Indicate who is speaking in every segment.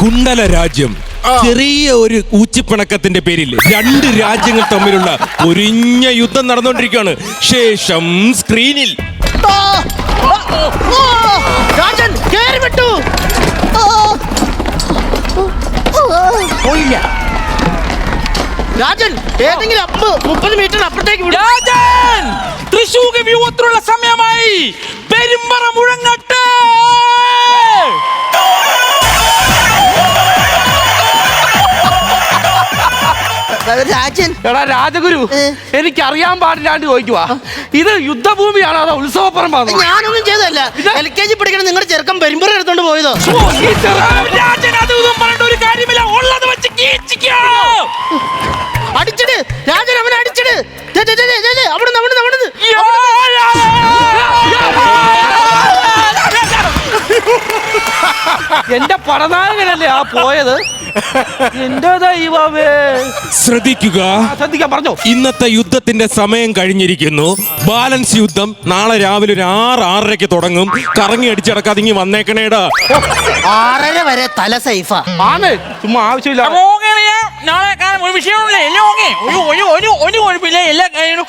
Speaker 1: കുണ്ടല രാജ്യം ചെറിയ ഒരു ഊച്ചിപ്പിണക്കത്തിന്റെ പേരിൽ രണ്ട് രാജ്യങ്ങൾ തമ്മിലുള്ള ഒരിഞ്ഞ യുദ്ധം നടന്നുകൊണ്ടിരിക്കുകയാണ്. ശേഷം സ്ക്രീനിൽ
Speaker 2: രാജൻ കേറി വിട്ടു. രാജൻ ഏതെങ്കിലും 30 മീറ്റർ അപ്പുറത്തേക്ക് വിടും.
Speaker 3: രാജൻ തൃശൂർ വ്യൂഹത്തിലുള്ള സമയമായി. പെരുമ്പറ മുഴങ്ങട്ടെ.
Speaker 2: രാജൻ
Speaker 4: എടാ രാജഗുരു, എനിക്ക് അറിയാൻ പാടില്ലാണ്ട് ചോദിക്കുവാ, ഇത് യുദ്ധഭൂമിയാണോ അതോ ഉത്സവപ്പറമ്പാണോ?
Speaker 2: ഞാനൊന്നും ചെയ്തല്ല. LKG പഠിക്കണ നിങ്ങളുടെ ചെറുക്കൻ പെരുമ്പറ എടുത്തോണ്ട് പോയതോ?
Speaker 3: രാജൻ അത് ഇതും പറഞ്ഞിട്ട് ഒരു കാര്യമില്ല. ഉള്ളത് വെച്ച് കീച്ചിക്കോ.
Speaker 2: അടിച്ചിട് രാജൻ, അവനെ അടിച്ചിട്. അവിടുന്ന്
Speaker 4: എന്റെ പടനായകനല്ലേ ആ പോയത്? എന്റെ ദൈവമേ.
Speaker 1: ശ്രദ്ധിക്കുക,
Speaker 4: ശ്രദ്ധിക്കാൻ പറഞ്ഞോ.
Speaker 1: ഇന്നത്തെ യുദ്ധത്തിന്റെ സമയം കഴിഞ്ഞിരിക്കുന്നു. ബാലൻസ് യുദ്ധം നാളെ രാവിലെ ഒരു 6-6:30 തുടങ്ങും. കറങ്ങി അടിച്ചടക്കാതെ ഇങ്ങി വന്നേക്കണേടാ.
Speaker 2: 6:30 വരെ തല സൈഫാ.
Speaker 4: ആണ് ചുമ്മാ ആവശ്യമില്ല.
Speaker 3: നാളെ കാണാൻ ഒരു വിഷയമില്ല. എല്ലാം ഒരു കുഴപ്പമില്ല. എല്ലാ കാര്യങ്ങളും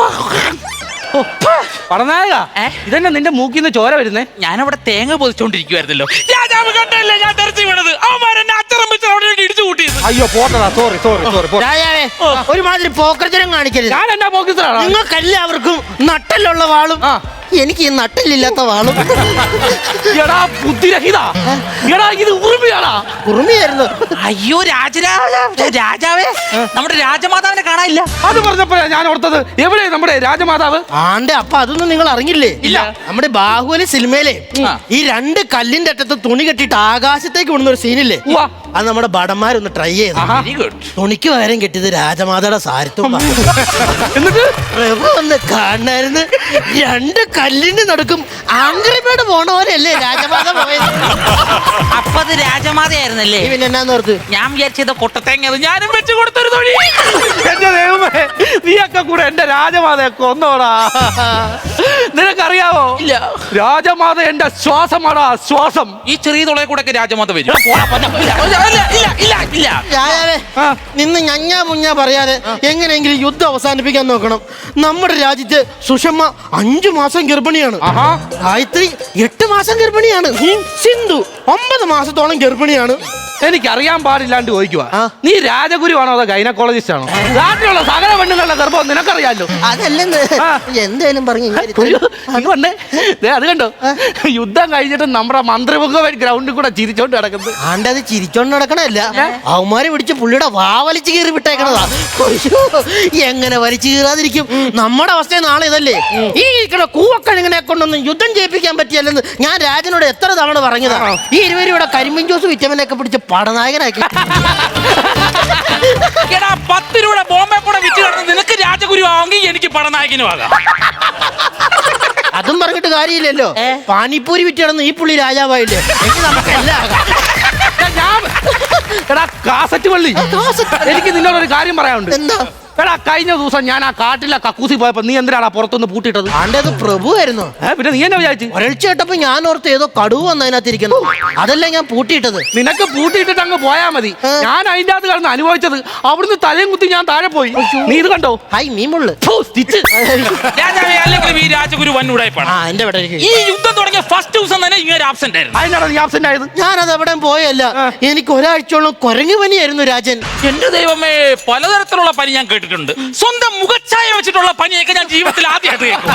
Speaker 4: പടനായക, ഇതന്നെ നിന്റെ മൂക്കിന്ന് ചോര വരുന്നേ?
Speaker 3: ഞാനവിടെ തേങ്ങ പൊതിച്ചോണ്ടിരിക്കുവായിരുന്നല്ലോ. രാജാവ് കണ്ടല്ലേ ഞാൻ തെരച്ചു വീണത്. അവന്മാരെന്നെ അച്ചറം വെച്ച് അവിടെ ഇടിച്ചു കൂട്ടിയത്.
Speaker 4: അയ്യോ പോട്ടടാ, സോറി.
Speaker 2: രാജാവേ, ഒരുമാതിരി പോക്കർജനം കാണിക്കരുത്.
Speaker 4: ഞാൻ എന്നാ പോക്കിത്തരാണ്?
Speaker 2: നിങ്ങൾക്കെല്ലാവർക്കും നട്ടലുള്ള വാളും എനിക്ക് ഈ നട്ടലില്ലാത്ത വാളും.
Speaker 4: എടാ ബുദ്ധിരഹിത, എടാ ഇത് ഉറുമിയാടാ.
Speaker 2: ഉറുമിയായിരുന്നു.
Speaker 3: അയ്യോ രാജാവേ, നമ്മുടെ രാജമാതാവിനെ കാണാനില്ല.
Speaker 4: അത് പറഞ്ഞപ്പോഴാ ഞാൻ ഓർത്തത്, എവിടെ നമ്മുടെ രാജമാതാവ്?
Speaker 2: അപ്പൊ അതൊന്നും നിങ്ങൾ അറിഞ്ഞില്ലേ?
Speaker 4: ഇല്ല.
Speaker 2: നമ്മുടെ ബാഹുബലി സിനിമയിലെ ഈ 2 കല്ലിന്റെ അറ്റത്ത് തുണി കെട്ടിട്ട് ആകാശത്തേക്ക് വിടുന്ന ഒരു സീനില്ലേ? അത് നമ്മുടെ ഭടന്മാരൊന്ന് ട്രൈ ചെയ്തു.
Speaker 3: Very good.
Speaker 2: തുണിക്ക് പകരം കെട്ടിയത് രാജമാതയുടെ സാരത്വം.
Speaker 4: എന്നിട്ട്
Speaker 2: പ്രഭു ഒന്ന് കാണായിരുന്നു. 2 കല്ലിന് നടക്കും ആംഗ്രിമേട് പോണ പോലെയല്ലേ രാജമാത പോയത്?
Speaker 3: അപ്പൊ അത് രാജമാതയായിരുന്നല്ലേ?
Speaker 2: പിന്നെ എന്നാന്നോർത്ത്
Speaker 3: ഞാൻ വിചാരിച്ചത് കൊട്ടത്തേങ്ങ. ഞാനും വെച്ച് കൊടുത്തൊരു തൊഴി.
Speaker 4: എന്റെ ദൈവമേ, നീയൊക്കെ കൂടെ എന്റെ രാജമാതയെ കൊന്നോടാ. നിനക്കറിയാവോ?
Speaker 3: ഇല്ല.
Speaker 4: രാജമാത എന്റെ ശ്വാസമാടാ, ശ്വാസം.
Speaker 3: ഈ ചെറിയ തുളയെ കൂടെ രാജമാത വരും.
Speaker 2: രാജാവേ, നിന്ന് ഞഞ്ഞാ മുഞ്ഞാ പറയാതെ എങ്ങനെയെങ്കിലും യുദ്ധം അവസാനിപ്പിക്കാൻ നോക്കണം. നമ്മുടെ രാജ്യത്ത് സുഷമ്മ 5 മാസം ഗർഭിണിയാണ്. ഗായത്രി 8 മാസം ഗർഭിണിയാണ്. സിന്ധു 9 മാസത്തോളം ഗർഭിണിയാണ്.
Speaker 4: എനിക്കറിയാൻ പാടില്ലാണ്ട് ചോദിക്കുവാ, നീ രാജഗുരുവാണോ അതോ ഗൈനക്കോളജിസ്റ്റ് ആണോ? നാട്ടിലുള്ള സകല പെണ്ണുങ്ങളുടെ ഗർഭം നിനക്കറിയാലോ.
Speaker 2: അതല്ലെന്ന് എന്തേലും പറഞ്ഞു.
Speaker 4: അത് കണ്ടോ, യുദ്ധം കഴിഞ്ഞിട്ട് നമ്മുടെ മന്ത്രിമുഖ ഗ്രൗണ്ടിൽ കൂടെ ചിരിച്ചോണ്ട് കിടക്കുന്നത്.
Speaker 2: ആണ്ടത് ചിരിച്ചോണ്ട് നടക്കണല്ല, അവന്മാരെ പിടിച്ച് പുള്ളിയുടെ വാവലിച്ച് കീറി വിട്ടേക്കണതാ. എങ്ങനെ വലിച്ചു കീറാതിരിക്കും? നമ്മുടെ അവസ്ഥ നാളെ ഇതല്ലേ. ഈ കൂവക്കഴുങ്ങനെ കൊണ്ടൊന്നും യുദ്ധം ചെയ്യിപ്പിക്കാൻ പറ്റിയല്ലെന്ന് ഞാൻ രാജനോട് എത്ര തവണ പറഞ്ഞതാ. ഈ 20 രൂപയുടെ കരിമ്പിൻ ജ്യൂസ് വിറ്റമിനൊക്കെ പിടിച്ച് പടനായകനാക്കി.
Speaker 3: 10 രൂപ ബോംബെ കൂടെ വിറ്റ് കിടന്ന് നിനക്ക് രാജഗുരു ആവെങ്കിൽ എനിക്ക് പടനായകനും ആകാം.
Speaker 2: അതും പറഞ്ഞിട്ട് കാര്യമില്ലല്ലോ. പാനിപ്പൂരി വിറ്റ് കിടന്ന് ഈ പുള്ളി രാജാവായില്ലേ? നമുക്കെല്ലാം ആകാം.
Speaker 4: എടാ കാസറ്റ് പള്ളി, എനിക്ക് നിന്നോടൊരു കാര്യം പറയാനുണ്ട്.
Speaker 2: എന്താ?
Speaker 4: എടാ കഴിഞ്ഞ ദിവസം ഞാൻ ആ കാട്ടിലെ കക്കൂസി പോയപ്പോ നീ എന്തിനാണ് പുറത്തുനിന്ന് പൂട്ടിട്ടത്?
Speaker 2: ആണ്ടത് പ്രഭുവായിരുന്നു.
Speaker 4: പിന്നെ നീ എന്നെ വിചാരിച്ചു?
Speaker 2: ഒരൾച്ച കേട്ടപ്പോ ഞാൻ ഓർത്ത് ഏതോ കടുവ വന്നതിനകത്തിരിക്കുന്നു. അതല്ല ഞാൻ പൂട്ടിയിട്ടത്.
Speaker 4: നിനക്ക് പൂട്ടിയിട്ടിട്ട് അങ്ങ് പോയാ മതി. ഞാൻ അതിന്റെ അകത്ത് കിടന്ന് അനുഭവിച്ചത്. അവിടുന്ന് തലയും കുത്തി ഞാൻ താഴെ പോയി. നീ ഇത് കണ്ടോ?
Speaker 2: ഹായ് മീമുള്ളു
Speaker 3: രാജാവേ, അല്ലെങ്കിൽ ഈ രാജഗുരു വന്നുടായിപ്പാണ്. ഈ യുദ്ധം തുടങ്ങിയ ഫസ്റ്റ് ദിവസം തന്നെ ഇങ്ങനെ ആബ്സെന്റ് ആയിരുന്നു.
Speaker 4: അതിനാണ് നീ ആബ്സെന്റ് ആയത്?
Speaker 2: ഞാനത് എവിടെ പോയല്ല. എനിക്ക് ഒരാഴ്ചയോളം കുരങ്ങു പനിയായിരുന്നു രാജൻ.
Speaker 3: എന്റെ ദൈവമേ, പലതരത്തിലുള്ള പനി ഞാൻ കേട്ടിട്ടുണ്ട്. സ്വന്തം മുഖച്ഛായ വെച്ചിട്ടുള്ള പനിയൊക്കെ ഞാൻ ജീവിതത്തിൽ ആദ്യമായിട്ട്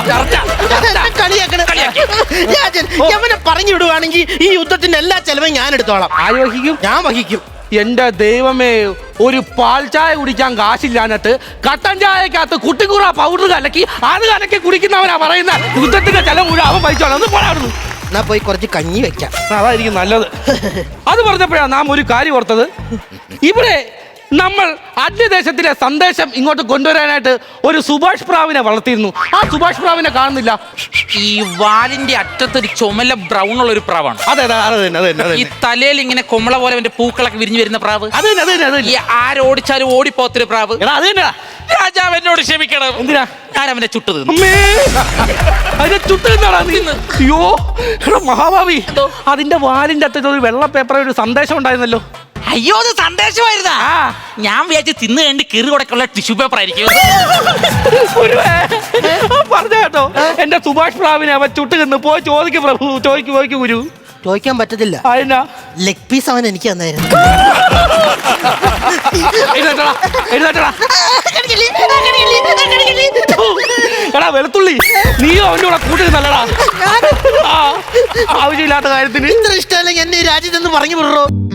Speaker 2: രാജൻ യമനെ പറഞ്ഞു വിടുവാണെങ്കിൽ ഈ യുദ്ധത്തിന്റെ എല്ലാ ചെലവും ഞാൻ എടുത്തോളാം.
Speaker 4: ആര് വഹിക്കും?
Speaker 2: ഞാൻ വഹിക്കും.
Speaker 4: എന്റെ ദൈവമേ, ഒരു പാൽ ചായ കുടിക്കാൻ കാശില്ലാഞ്ഞിട്ട് കട്ടൻ ചായക്കകത്ത് കുട്ടിക്കൂറ പൗഡർ കലക്കി അത് കലക്കി കുടിക്കുന്നവനാ പറയുന്ന യുദ്ധത്തിന്റെ ചെലവ് മുഴുവൻ അവൻ വഹിച്ചോളാം. ഒന്ന് പോരാടുന്നു.
Speaker 2: എന്നാ പോയി കുറച്ച് കഞ്ഞി വെക്കാം.
Speaker 4: അതായിരിക്കും നല്ലത്. അത് പറഞ്ഞപ്പോഴാണ് നാം ഒരു കാര്യം ഓർത്തത്. ഇവിടെ നമ്മൾ അന്യദേശത്തിലെ സന്ദേശം ഇങ്ങോട്ട് കൊണ്ടുവരാനായിട്ട് ഒരു സുഭാഷ് പ്രാവിനെ വളർത്തിയിരുന്നു. ആ സുഭാഷ് പ്രാവിനെ കാണുന്നില്ല.
Speaker 3: ഈ വാലിന്റെ അറ്റത്തൊരു ചുമല ബ്രൗൺ ഉള്ള ഒരു പ്രാവാണ്.
Speaker 4: അതെ അതെ അത് തന്നെ അത് തന്നെ അത്
Speaker 3: ഈ
Speaker 4: തന്നെ
Speaker 3: തലയിൽ ഇങ്ങനെ കൊമ്മള പോലെ അവന്റെ പൂക്കളൊക്കെ വിരിഞ്ഞു വരുന്ന പ്രാവ്.
Speaker 4: അത് തന്നെ അത് തന്നെ അത്
Speaker 3: ഈ
Speaker 4: തന്നെ.
Speaker 3: ആരോടിച്ചാലും ഓടിപ്പോത്തൊരു പ്രാവ്.
Speaker 4: എടാ അത് തന്നെ.
Speaker 3: രാജാവ് എന്നോട് ക്ഷമിക്കണം.
Speaker 4: എന്തിനാ?
Speaker 3: ഞാൻ അവനെ ചുട്ടു തിന്നു.
Speaker 4: അമ്മേ, അതിനെ ചുട്ട് തിന്നാടാ നീ? അയ്യോ എടാ മഹാഭാവി, അതിന്റെ വാലിന്റെ അറ്റത്ത് ഒരു വെള്ള പേപ്പറിൽ ഒരു സന്ദേശം ഉണ്ടായിരുന്നല്ലോ.
Speaker 3: അയ്യോ അത് സന്ദേശമായിരുന്നാ.
Speaker 4: ആ.
Speaker 3: ഞാൻ വിചാരിച്ച് തിന്നു കണ്ട് കിറി കൊടുക്കുള്ള ടിഷ്യൂ പേപ്പർ ആയിരിക്കും.
Speaker 4: പറഞ്ഞ കേട്ടോ, എന്റെ സുഭാഷ് പ്രാവിനെ അവൻ ചുട്ട് തിന്ന്. പോയി ചോദിക്കും പ്രഭു, ചോദിക്കും ഗുരു.
Speaker 2: ചോദിക്കാൻ പറ്റത്തില്ല.
Speaker 4: അതിനാ
Speaker 2: ലെഗ് പീസ് അവൻ എനിക്ക് തന്നായിരുന്നു.
Speaker 4: എഴുന്നേറ്റടാ, എഴുന്നേറ്റടാ. എടാ വെളുത്തുള്ളി, നീയോ അവന്റെ കൂടെ കൂട്ടുക നല്ലടാ. ആവശ്യമില്ലാത്ത കാര്യത്തിന്
Speaker 2: ഇത്ര ഇഷ്ടമല്ലെങ്കിൽ എന്നെ ഈ രാജ്യത്ത് നിന്ന് പറഞ്ഞു വിടറോ.